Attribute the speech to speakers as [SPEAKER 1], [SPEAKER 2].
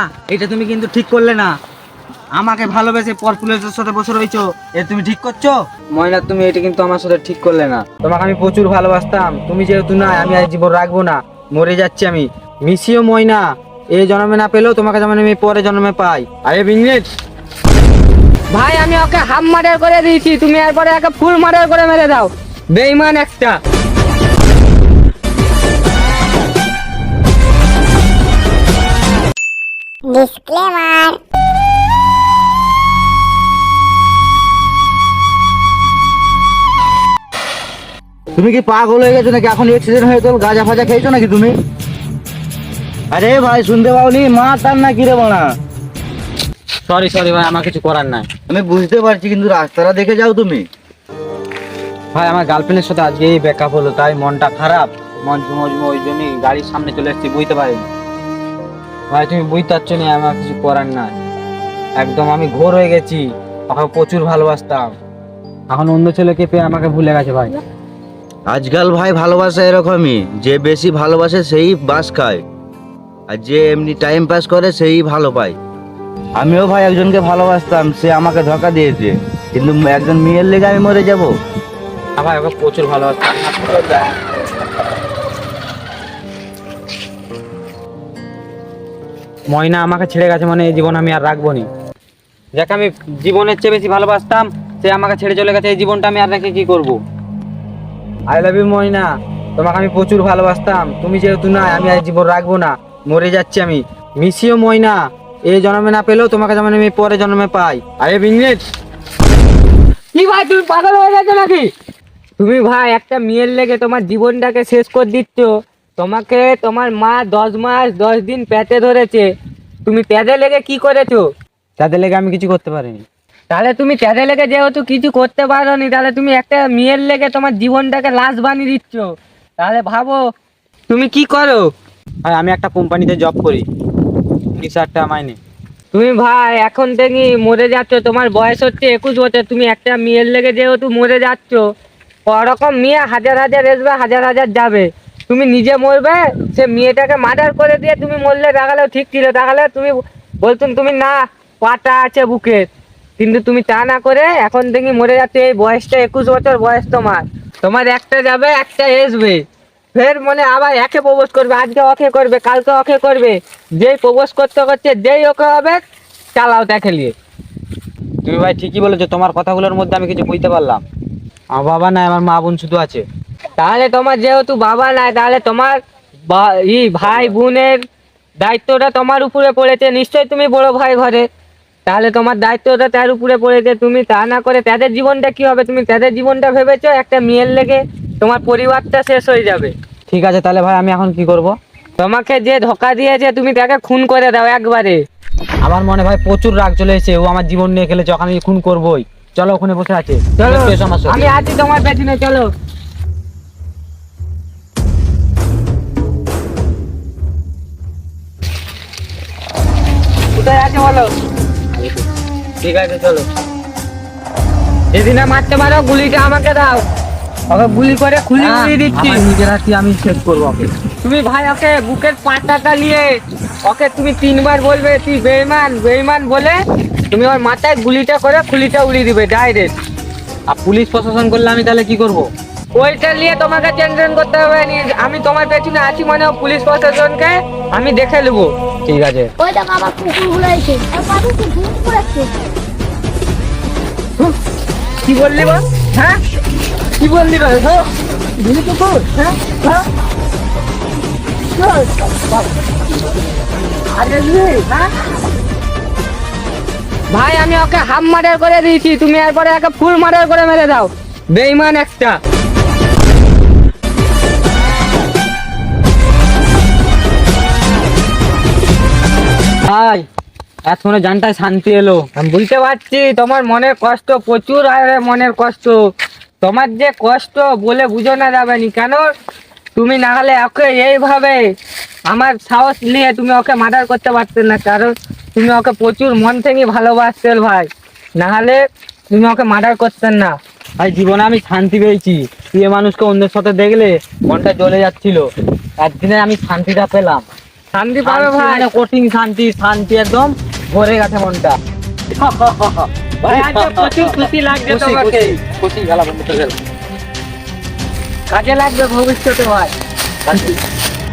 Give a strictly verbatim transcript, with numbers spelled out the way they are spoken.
[SPEAKER 1] এটা তুমি কিন্তু ঠিক করলে না। আমাকে ভালোবেসে পর পুলিশের সাথে বসে রয়েছো, এ তুমি ঠিক করছো? ময়না, তুমি এটা কিন্তু আমার সাথে ঠিক করলে না। তোমাকে আমি প্রচুর ভালোবাসতাম, তুমি যেহেতু না, আমি আর জীবন রাখবো না, মরে যাচ্ছি আমি। মিশিও ময়না, এই জন্মে না পেলেও তোমাকে যেমন আমি পরে জন্মে পাই। আরে বিংলেট
[SPEAKER 2] ভাই আমি ওকে হাফ মার্ডার করে দিয়েছি, তুমি এরপরে একে ফুল মার্ডার করে মেরে দাও, বেঈমান একটা।
[SPEAKER 3] ডিসক্লেমার।
[SPEAKER 1] তুমি কি পাগল হয়ে গেছো নাকি? এখন অ্যাক্সিডেন্ট হয়ে গেল, গাঁজা ফাজা খেয়েছো নাকি তুমি? আরে ভাই শুনতে পাওনি? মা তার না কিরে বানা। সরি সরি ভাই, আমার কিছু করার নাই। আমি বুঝতে পারছি, কিন্তু রাস্তাটা দেখে যাও তুমি। ভাই আমার গার্লফ্রেন্ডের সাথে আজকে এই ব্রেকআপ হলো, তাই মনটা খারাপ, মন মজমো, ওই জন্যই গাড়ির সামনে চলে এসেছি, বুঝতে পারিনি। ভাই তুমি বুঝতে পারছো না, আমার কিছু করার নাই। একদম আমি ঘোর হয়ে গেছি, ওকে প্রচুর ভালোবাসতাম, এখন অন্য ছেলেকে পেয়ে আমাকে ভুলে গেছে ভাই।
[SPEAKER 4] আজকাল ভাই ভালোবাসা এরকমই, যে বেশি ভালোবাসে সেই বাস খায়, আর যে এমনি টাইম পাস করে সেই ভালো পায়। আমিও ভাই একজনকে ভালোবাসতাম, সে আমাকে ধোঁকা দিয়েছে, কিন্তু একজন মেয়ের লেগে আমি মরে যাব?
[SPEAKER 1] হ্যাঁ ভাই, ওকে প্রচুর ভালোবাসতাম। ময়না আমাকে ছেড়ে গেছে, মানে এই জীবন আমি আর রাখবো নি। যাকে আমি জীবনের চেয়ে বেশি ভালোবাসতাম, সে আমাকে ছেড়ে চলে গেছে, এই জীবনটা আমি আর রেখে কি করব? আই লাভ ইউ ময়না, তোমাকে আমি প্রচুর ভালোবাসতাম, তুমি যেহেতু না, আমি আর জীবন রাখবো না, মরে যাচ্ছি আমি। মিশিও ময়না, এই জন্মে না পেলেও তোমাকে যেমন আমি পরে জন্মে পাই। আরে বিংলেট
[SPEAKER 2] কি ভাই তুমি পাগল হয়ে গেছো নাকি? তুমি ভাই একটা মেয়ের লেগে তোমার জীবনটাকে শেষ করে দিচ্ছ। তোমাকে তোমার মা দশ মাস দশ দিন পেটে ধরেছে, তুমি পেটে লেগে কি করেছো?
[SPEAKER 1] তাদের লেগে আমি কিছু করতে পারিনি।
[SPEAKER 2] তাহলে তুমি পেটে লেগে যেহেতু কিছু করতে পারোনি, তাহলে তুমি একটা মেয়ের লেগে তোমার জীবনটাকে লাশ বানিয়ে দিচ্ছ। তাহলে ভাবো তুমি কি করো।
[SPEAKER 1] ভাই আমি একটা কোম্পানিতে জব করি, তিরিশ হাজার টাকা মাইনে।
[SPEAKER 2] তুমি ভাই এখন থেকে মরে যাচ্ছ, তোমার বয়স হচ্ছে একুশ বছর, তুমি একটা মেয়ের লেগে যেহেতু মরে যাচ্ছ, ওরকম মেয়ে হাজার হাজার আসবে, হাজার হাজার যাবে, তুমি নিজে মরবে, সে মেয়েটাকে মার্ডার করে দিয়ে তুমি মরলে দেখালেও ঠিক ছিল, তাহলে তুমি বলতুম তুমি না পাটা আছে বুকে, কিন্তু তুমি তা না করে এখন থেকে মরে যাচ্ছে। এই বয়সটা একুশ বছর বয়স, তোমার তোমার একটা যাবে একটা আসবে, ফের মনে আবার একে প্রপোজ করবে, আজকে ওকে করবে, কালকে ওকে করবে, যেই প্রপোজ করতে করতে যেই ওকে হবে চালাও দেখে নিয়ে।
[SPEAKER 1] তুমি ভাই ঠিকই বলেছো, তোমার কথাগুলোর মধ্যে আমি কিছু বুঝতে পারলাম। আমার বাবা নাই, আমার মা বোন শুধু আছে।
[SPEAKER 2] তাহলে তোমার যেহেতু বাবা নাই, তাহলে তোমার বা- ই ভাই বোনের দায়িত্বটা তোমার উপরে পড়েছে, নিশ্চয়ই তুমি বড় ভাই ঘরে, তাহলে তোমার দায়িত্বটা তার উপরে পড়েছে। তুমি তা না করে তাদের জীবনটা কি হবে, তুমি তাদের জীবনটা ভেবেছো, একটা মেয়ের লেগে তোমার পরিবারটা শেষ হয়ে যাবে।
[SPEAKER 1] ঠিক আছে, তাহলে ভাই আমি এখন কি করব?
[SPEAKER 2] তোমাকে যে ধোকা দিয়েছে তুমি তাকে খুন করে দাও একবারে।
[SPEAKER 1] আমার মনে ভাই প্রচুর রাগ চলে এসেছে, ও আমার জীবন নিয়ে খেলেছে, ওকে আমি খুন করবোই। চলো, ওখানে বসে আছে,
[SPEAKER 2] চলো
[SPEAKER 1] একটু এসো আমার সাথে।
[SPEAKER 2] আমি আছি তোমার পেছনে, চলো। কোথায় আছে বলো?
[SPEAKER 1] ঠিক আছে চলো।
[SPEAKER 2] যদি না মারতে পারো গুলিটা আমাকে দাও, ওকে গুলি করে খুলি
[SPEAKER 1] না,
[SPEAKER 2] উড়িয়ে দিচ্ছি।
[SPEAKER 1] আমার নিজের হাতে আমি শেষ করবো ওকে।
[SPEAKER 2] তুমি ভাই ওকে বুকের পাটাটা নিয়ে ওকে তুমি তিনবার বলবে তুই বেঈমান বেঈমান বলে, তুমি ওর মাথায় গুলিটা করে খুলিটা উড়িয়ে দিবে ডাইরেক্ট।
[SPEAKER 1] আর পুলিশ প্রশাসন করলে আমি তাহলে কি করব?
[SPEAKER 2] ওইটা নিয়ে তোমাকে টেনশন করতে হবে না, আমি তোমার পেছনে আছি, মানে পুলিশ প্রশাসনকে আমি দেখে নেবো।
[SPEAKER 1] ঠিক আছে।
[SPEAKER 3] ওই দেখো আমার কুকুরগুলো এসে আর পাশে কি ঘুম করেছে।
[SPEAKER 2] কি বললি বল? হ্যাঁ কি বললি বল? ভুলি কুকুর? হ্যাঁ হ্যাঁ আরে রে, হ্যাঁ? ভাই আমি ওকে হাফ মার্ডার করে দিয়েছি, তুমি এরপরে একে ফুল মার্ডার করে মেরে দাও, বেঈমান একটা।
[SPEAKER 1] ভাই এতক্ষণে জানটায় শান্তি এলো।
[SPEAKER 2] আমি বুঝতে পারছি তোমার মনের কষ্ট প্রচুর, আরে মনের কষ্ট, তোমার যে কষ্ট বলে বুঝানো যাবে না। কেন তুমি না হলে ওকে এইভাবে আমার সাহস নিয়ে তুমি ওকে মার্ডার করতে পারতে না, কারণ তুমি ওকে প্রচুর মন থেকে ভালোবাসতে ভাই, না হলে তুমি ওকে মার্ডার করতেন না।
[SPEAKER 1] ভাই জীবনে আমি শান্তি পেয়েছি, প্রিয় মানুষকে অন্যের সাথে দেখলে মনটা জ্বলে যাচ্ছিল, একদিনে আমি শান্তিটা পেলাম।
[SPEAKER 2] শান্তি পাবে
[SPEAKER 1] শান্তি
[SPEAKER 2] ভাই।
[SPEAKER 1] মানে কঠিন শান্তি, শান্তি একদম ভরে গেছে মনটা।
[SPEAKER 2] ভাই আজকে প্রচুর খুশি লাগছে
[SPEAKER 1] খুশি,
[SPEAKER 2] তোমাকে।
[SPEAKER 1] খুশি, খুশি, গেলা বন্ধ করে গেল।
[SPEAKER 2] কাজে লাগবে ভবিষ্যতে ভাই।
[SPEAKER 1] শান্তি।